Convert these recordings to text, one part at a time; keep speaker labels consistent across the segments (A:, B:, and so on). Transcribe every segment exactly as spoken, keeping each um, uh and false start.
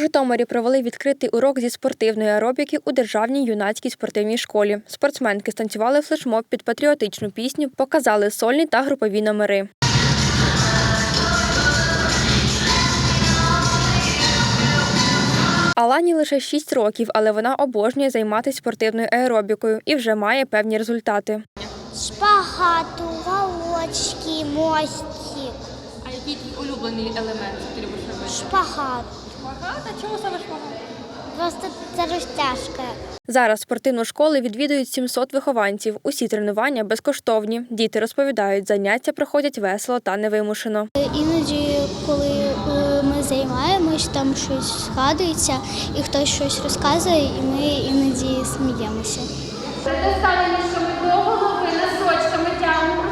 A: Житомирі провели відкритий урок зі спортивної аеробіки у Державній юнацькій спортивній школі. Спортсменки станцювали флешмоб під патріотичну пісню, показали сольні та групові номери. Алані лише шість років, але вона обожнює займатися спортивною аеробікою і вже має певні результати.
B: Шпагат, уголочки, мостик.
C: А який твій улюблений елемент ти любиш робити?
B: Шпагат.
C: Шпагат? А чому саме шпагат?
B: Просто це розтяжка.
A: Зараз спортивну школу відвідують сімсот вихованців. Усі тренування безкоштовні. Діти розповідають, заняття проходять весело та невимушено.
B: Іноді, коли ми займаємось, там щось згадується, і хтось щось розказує, і ми іноді сміємося.
C: Те саме, що ми до голови носочками тягнемо.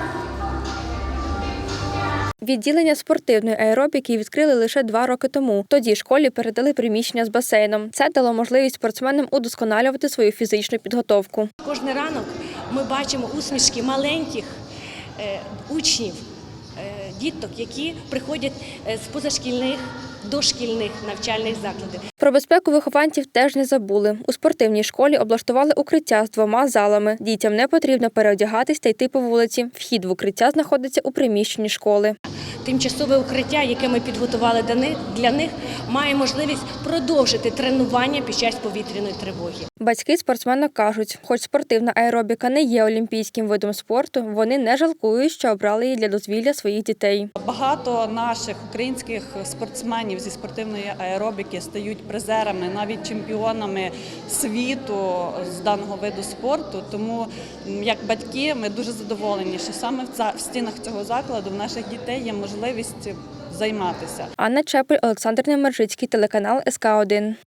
A: Відділення спортивної аеробіки відкрили лише два роки тому. Тоді школі передали приміщення з басейном. Це дало можливість спортсменам удосконалювати свою фізичну підготовку.
D: Кожен ранок ми бачимо усмішки маленьких е, учнів, е, діток, які приходять з позашкільних, дошкільних навчальних закладів.
A: Про безпеку вихованців теж не забули. У спортивній школі облаштували укриття з двома залами. Дітям не потрібно переодягатись та йти по вулиці. Вхід в укриття знаходиться у приміщенні школи.
D: Тимчасове укриття, яке ми підготували для них, має можливість продовжити тренування під час повітряної тривоги.
A: Батьки спортсмена кажуть, хоч спортивна аеробіка не є олімпійським видом спорту, вони не жалкують, що обрали її для дозвілля своїх дітей.
E: Багато наших українських спортсменів зі спортивної аеробіки стають призерами, навіть чемпіонами світу з даного виду спорту. Тому, як батьки, ми дуже задоволені, що саме в стінах цього закладу в наших дітей є можливість займатися.
A: Анна Чепель, Олександр Немержицький, телеканал ес ка один.